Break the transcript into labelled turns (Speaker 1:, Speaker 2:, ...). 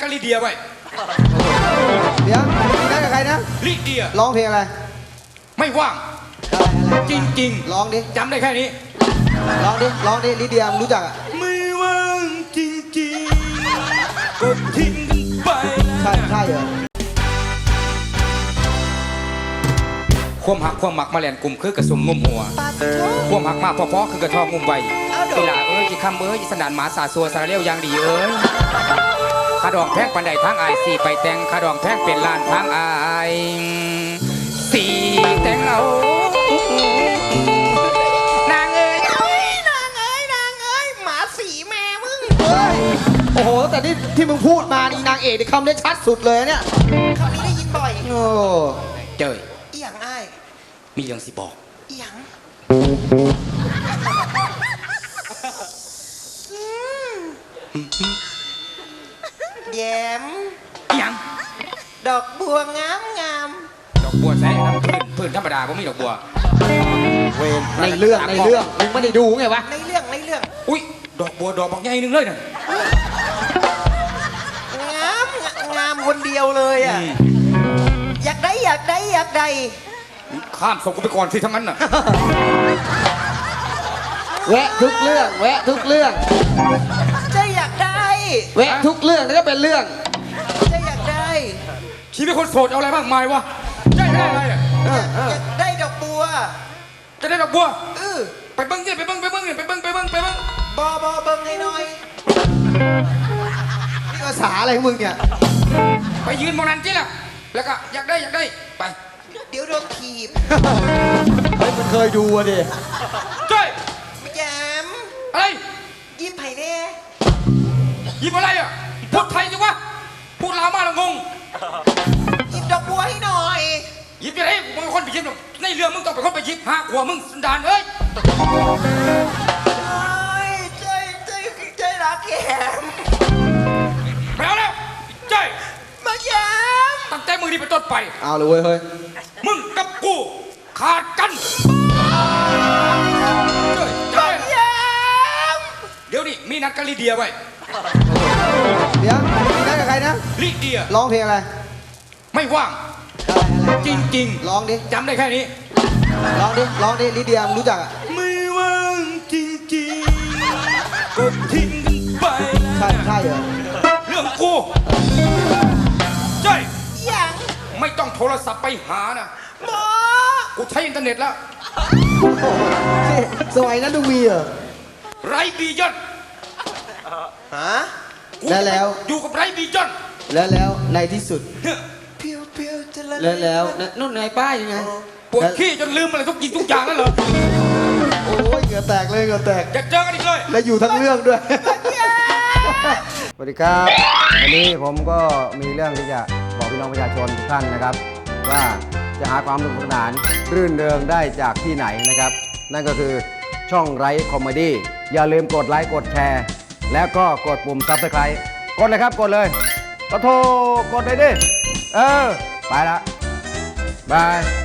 Speaker 1: กับลิเดียไว้
Speaker 2: เดี๋ยวมีนัดกับใครนะ
Speaker 1: ลิเดีย
Speaker 2: ร้องเพลงอะไร
Speaker 1: ไม่ว่างจริง
Speaker 2: ๆร้องดิ
Speaker 1: จำได้แค่นี้
Speaker 2: ร้องดิลิเดียรู้จักอ่ะ
Speaker 1: ไม่ว่างจริงๆก็ทิ้งไป
Speaker 2: ใช่เหรอ
Speaker 1: ความหักความหมักมาแลนกลุ่มคือกระสุมงุมหัวความหักมาพอๆคือกระทองงุมใบเวลาจีคำจีสนานหมาสาสัวสารเลี้ยวยางดีขาดองแพงปันใดทางอายสี่ไปแต่งขาดองแพงเป็นล้านทางอายสี่แต่งเอานางเอ้ยหมาสีแม่มึง
Speaker 2: โอ้โหแต่ที่มึงพูดมานี่นางเอกในคำได้ชัดสุดเลยเนี่ย
Speaker 3: คำนี้ได้ยินบ่อย
Speaker 2: โอ้
Speaker 1: เจย
Speaker 3: อีหยังอ้าย
Speaker 1: มีเรื่องสิบอก
Speaker 3: อีหยังแย้ม
Speaker 1: อีหยัง
Speaker 3: ดอกบัวงาม
Speaker 1: ดอกบัวใส่น้ำพื้นธรรมดาผมมีดอกบัว
Speaker 2: เวนในเรื่องมึงไม่ได้ดูไงวะ
Speaker 3: ในเรื่อง
Speaker 1: อุ้ยดอกบัวดอกบางใหญ่นึงเลยน่ะ
Speaker 3: งามคนเดียวเลยอ่ะอยากได้
Speaker 1: ข้ามส่งกูไปก่อนสิทั้งนั้นน่ะ
Speaker 2: แวะทุกเรื่อง
Speaker 3: จะอยากได้
Speaker 2: แวะทุกเรื่องแล้วก็เป็นเรื่อง
Speaker 3: จะอยากได้
Speaker 1: ชีวิตคนโสดเอาอะไรมากมายวะได้อะไรอ่ะ
Speaker 3: อยากได้ดอกบัว
Speaker 1: จะได้ดอกบัวไปเบิ้งเนี่ยไปเบิ้งบอเบิ้งให้หน่อย
Speaker 2: นี่ภาษาอะไรของมึงเนี่ย
Speaker 1: ไปยืนมองนั้นจีล่ะแล้วก็อยากได้ไป
Speaker 3: เดี๋ยวโดนถีบ
Speaker 2: เฮ้ยมันเคยดูอะดิ
Speaker 1: จ้อย
Speaker 3: แย้ม
Speaker 1: อะไร
Speaker 3: ยิ้มไผ่แน่
Speaker 1: ยิ้มอะไรอ่ะพูดไทยสิวะพูดลาวมาแล้วงง
Speaker 3: ยิ้มดอกบัวให้หน่อย
Speaker 1: ยิ้มจะได้มึงคนไปยิ้มในเรื่องมึงต้องเป็นคนไปยิ้มหาหัวมึงสันดานเอ้ย
Speaker 3: ใจรักแย้ม
Speaker 1: ไปเอาแล้วใจ
Speaker 3: มาแย้ม
Speaker 1: ตั้งแต่มือนี้เป็นต้นไป
Speaker 2: เอาเลยเว้ยเฮ้ย
Speaker 1: มึงกับกูขาดกันเดี๋ยวนี้มีนัดกับลิเดียไว้
Speaker 2: เดี๋ยวมีนัดกับใครนะ
Speaker 1: ลิเดีย
Speaker 2: ร้องเพลงอะไร
Speaker 1: ไม่ว่างจริง
Speaker 2: ร้องดิ
Speaker 1: จำได้แค่นี้
Speaker 2: ร้องดิลิเดียรู้จักอ่ะ
Speaker 1: ไม่ว่างจริงๆก็ทิ้งไป
Speaker 2: ใช่เหรอ
Speaker 1: เรื่องกูใช่
Speaker 3: ยัง
Speaker 1: ไม่ต้องโทรศัพท์ไปหานะ
Speaker 3: หมอ
Speaker 1: กูใช้อินเทอร์เน็ตแล้ว
Speaker 2: สมัยนั้นดูมีเหรอ
Speaker 1: ไรบียอน
Speaker 3: ฮะ
Speaker 2: แล้ว
Speaker 1: อยู่กับไรบียอน
Speaker 2: แล้วในที่สุด
Speaker 3: เพียวจะ
Speaker 2: แล้วนู่นไงป้ายยังไง
Speaker 1: ปวดขี้จนลืมอะไรทุกอย่างนั่นเหรอ
Speaker 2: โอ้ยเหงื่อแตกเลยอย
Speaker 1: ากเจอกันอีกเลย
Speaker 2: แล้วอยู่ทั้งเรื่องด้วยสวัสดีครับวันนี้ผมก็มีเรื่องที่จะบอกพี่น้องประชาชนทุกท่านนะครับว่าจะหาความสนุกสนานรื่นเริงได้จากที่ไหนนะครับนั่นก็คือช่องไร้คอมเมดี้อย่าลืมกดไลค์กดแชร์แล้วก็กดปุ่มซับสไครต์กดเลยครับกดเลยก็โทรกดเลยดิไปละบาย